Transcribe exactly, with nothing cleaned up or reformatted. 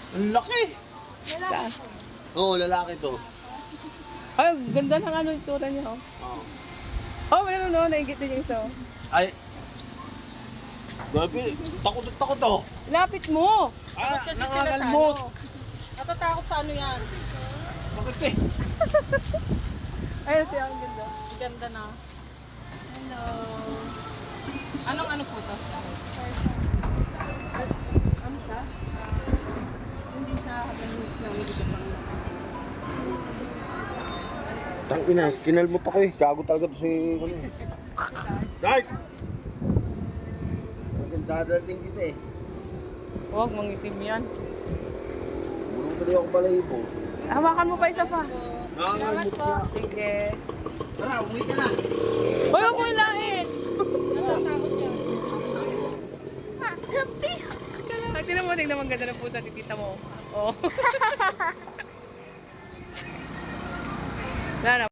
Ang laki. Saan? Oo, lalaki to. Ay, ganda ng ano yung itsura niya. Oh, Oo. oh meron no, naingit din yung isa. oh. Ay. Gabi, takot at takot to. Lapit mo! Ah, Kasi sila sa nangangalmot. ano. Natatakot sa ano yan. Bakit eh? Ayun siya, ang ganda. Ganda na. Hello. Anong ano po to? Ano siya? Hindi siya habang lang, hindi ka pang Tang ina, kinalmo pa ko eh. Gago talaga to si ano eh. Dark! Dadating kita eh. Huwag, mangitim yan. Bulong tuloy ako balahibo. Hawakan mo pa isa pa. Nangangalmot na. Sige. Tara, umuwi ka na. Hoy, huwag mo ilain! Natatakot yan. Ay, tingnan mo, tingnan mo ang ganda ng pusa, titita mo. Oh. Wala na.